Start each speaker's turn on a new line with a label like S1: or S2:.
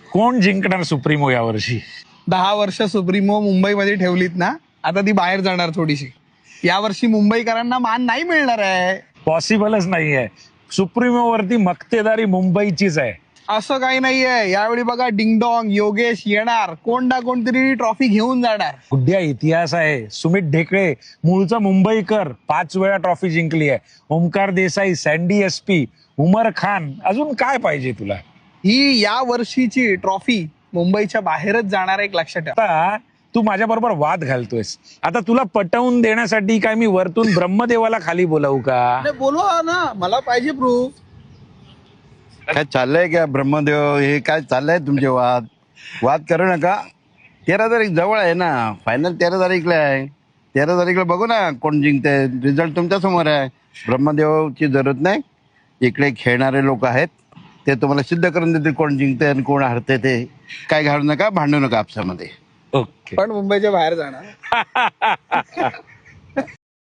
S1: कोण जिंकणार सुप्रीमो यावर्षी?
S2: 10 वर्ष सुप्रीमो मुंबईमध्ये ठेवलीत ना, आता ती बाहेर जाणार थोडीशी. यावर्षी मुंबईकरांना मान नाही मिळणार आहे.
S1: पॉसिबलच नाहीये. सुप्रीमो वरती मक्तेदारी मुंबईचीच आहे.
S2: असं काही नाहीये. यावेळी बघा डिंगडॉंग योगेश येणार, कोण ना कोणतरी ट्रॉफी घेऊन जाणार.
S1: गुड्या इतिहास आहे. सुमित ढेकळे मूळचा मुंबईकर, 5 वेळा ट्रॉफी जिंकली आहे. ओमकार देसाई, सँडी एसपी, उमर खान, अजून काय पाहिजे तुला?
S2: ही या वर्षीची ट्रॉफी मुंबईच्या बाहेरच जाणार एक लक्षात ठेवा.
S1: आता तू माझ्या बरोबर वाद घालतोयस. आता तुला पटवून देण्यासाठी काय मी वरतून ब्रह्मदेवाला खाली बोलावू का?
S2: बोलवा ना, मला पाहिजे प्रूफ.
S3: काय चाललंय का ब्रह्मदेव? हे काय चाललंय तुमचे वाद? वाद करू नका. 13 तारीख जवळ आहे ना, फायनल 13 तारीखला आहे. 13 तारीखला बघू ना कोण जिंकते. रिझल्ट तुमच्या समोर आहे. ब्रह्मदेवची जरूरत नाही. इकडे खेळणारे लोक आहेत, ते तुम्हाला सिद्ध करून देतील कोण जिंकते आणि कोण हरते. ते काय घालू नका, भांडू नका आपसामध्ये.
S1: ओके.
S2: पण मुंबईच्या बाहेर जाणार.